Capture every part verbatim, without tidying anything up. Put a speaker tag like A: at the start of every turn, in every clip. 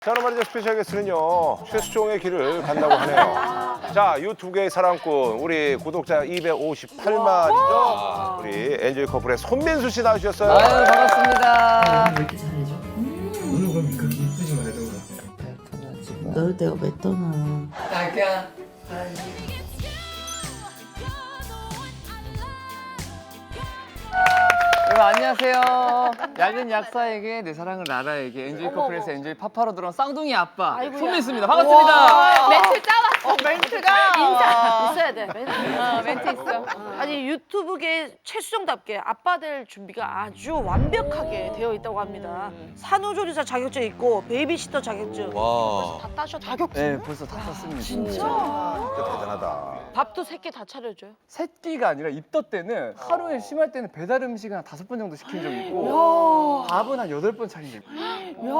A: 자, 오늘 말이죠. 스페셜 게스트는요. 최수종의 길을 간다고 하네요. 자, 유튜브계의 사랑꾼, 우리 구독자 이백오십팔만이죠. 우리 엔조이 커플의 손민수 씨 나오셨어요.
B: 아유, 반갑습니다.
C: 왜 이렇게 잘해줘? 오늘 그럼 그렇게 이쁘지 말던가.
D: 널 내가 왜 떠나?
B: 자기야. 여러분 안녕하세요. 얇은 약사에게 내 사랑을 나라에게 엔조이 커플에서 엔조이 파파로 들어온 쌍둥이 아빠 손민수입니다. 반갑습니다.
E: 멘트 짜왔어.
F: 어, 멘트가
E: 인사 있어야 돼. 멘트.
F: 어, 멘트 있어.
E: 아니 유튜브계 최수정답게 아빠 될 준비가 아주 완벽하게 되어 있다고 합니다. 산후조리사 자격증 있고 베이비시터 자격증.
G: 와.
E: 다 따셨다. 자격증.
B: 네, 벌써 다 썼습니다.
E: 진짜?
A: 진짜 대단하다.
E: 밥도 세 끼 다 차려줘요?
B: 새끼가 아니라 입덧 때는 하루에 심할 때는 배달 음식을 한 다섯 번 정도 시킨 적이 있고 밥은 한 여덟 번 차린 적이 있고.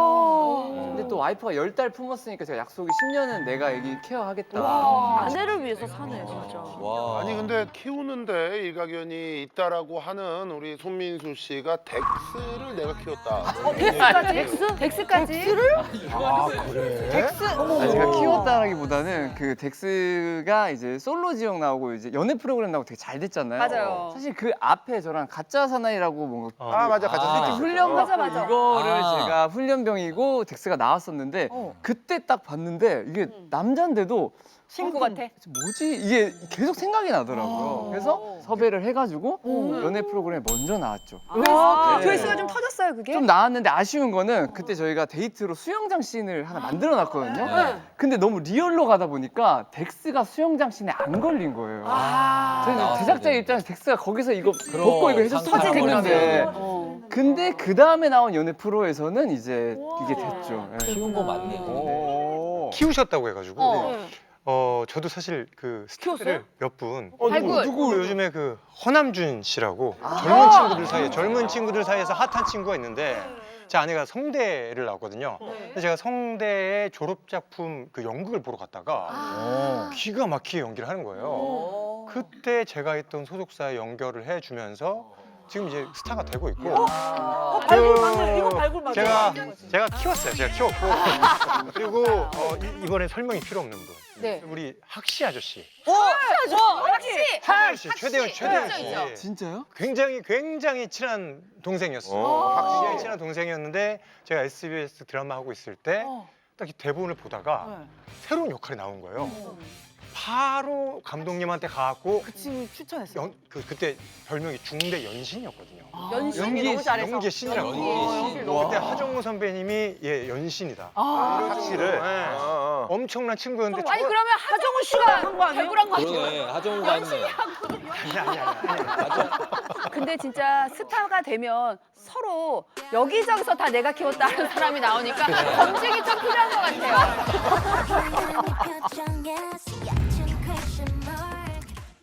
B: 근데 또 와이프가 열 달 품었으니까 제가 약속이 십 년은 내가 애기 케어하겠다.
E: 아내를 위해서 사네 진짜.
G: 와.
H: 아니 근데 키우는데 일가견이 있다라고 하는 우리 손민수 씨가 덱스를 내가 키웠다.
E: 덱스까지? 덱스?
F: 덱스까지?
E: 덱스를?
A: 아, 그래?
F: 덱스.
B: 아니, 제가 키웠다라기보다는 그 덱스가 이제 솔로 지역 나오고 이제 연애 프로그램 나오고 되게 잘 됐잖아요.
F: 맞아요.
B: 사실 그 앞에 저랑 가짜 사나이라고 뭔가
A: 아, 맞아. 같이
G: 아.
A: 아,
B: 훈련
F: 맞아,
B: 받고
F: 맞아.
B: 이거를
G: 아.
B: 제가 훈련병이고 덱스가 나왔었는데
F: 어.
B: 그때 딱 봤는데 이게 남잔데도
F: 친구
B: 어,
F: 같아.
B: 뭐지? 이게 계속 생각이 나더라고요. 그래서 섭외를 해가지고 연애 프로그램에 먼저 나왔죠.
F: 아,
B: 네.
F: 조회수가 좀 터졌어요, 그게?
B: 좀 나왔는데 아쉬운 거는 그때 저희가 데이트로 수영장 씬을 하나 만들어 놨거든요. 근데 너무 리얼로 가다 보니까 덱스가 수영장 씬에 안 걸린 거예요. 저희는
G: 나왔어야
B: 제작자
G: 되는데.
B: 입장에서 덱스가 거기서 이거
G: 그럼,
B: 벗고 이거 해줬으면
G: 상상을
B: 좋겠는데
F: 어.
B: 근데 그 다음에 나온 연애 프로에서는 이제 이게 됐죠. 네.
G: 키운 거 맞네.
A: 오.
I: 키우셨다고 해가지고 어,
E: 네.
I: 저도 사실 그
E: 키웠어요?
I: 스타를 몇 분
A: 어,
F: 발굴.
I: 누구 요즘에 그 허남준 씨라고 젊은 친구들 사이에 젊은 친구들 사이에서 핫한 친구가 있는데 제 아내가 성대를 나왔거든요. 근데 제가 성대의 졸업 작품 그 연극을 보러 갔다가 기가 막히게 연기를 하는 거예요. 그때 제가 있던 소속사에 연결을 해주면서 지금 이제 스타가 되고 있고
E: 어, 발굴 맞네. 이거 발굴 맞네.
I: 제가 제가 키웠어요. 제가 키웠고 그리고 어, 이, 이번에 설명이 필요 없는 분.
F: 네.
I: 우리 학시 아저씨.
F: 혹시?
I: 최대현 씨, 최대현, 최대현 씨.
B: 진짜요?
I: 굉장히 굉장히 친한 동생이었어요.
A: 어,
I: 학시의 친한 동생이었는데 제가 에스비에스 드라마 하고 있을 때 딱 이 대본을 보다가 새로운 역할이 나온 거예요. 바로 감독님한테 가갖고
F: 그 친구 추천했어.
I: 연, 그, 그때 별명이 중대 연신이었거든요.
F: 연신이
B: 연기,
F: 너무 잘해서.
I: 연기의 신이라고.
G: 연기의 신.
I: 그때 하정우 선배님이 예 연신이다.
F: 아.
A: 확실을.
I: 네.
A: 어, 어.
I: 엄청난 친구였는데
F: 아니
I: 저-
F: 그러면 하정우 씨가 한 거 아니에요?
E: 발굴한 거 아니에요?
G: 그러네. 하정우가 했네.
I: 아니 아니 아니.
F: 근데 진짜 스타가 되면 서로 여기저기서 다 내가 키웠다는 사람이 나오니까 검증이 좀 필요한 것 같아요.
J: 표정에서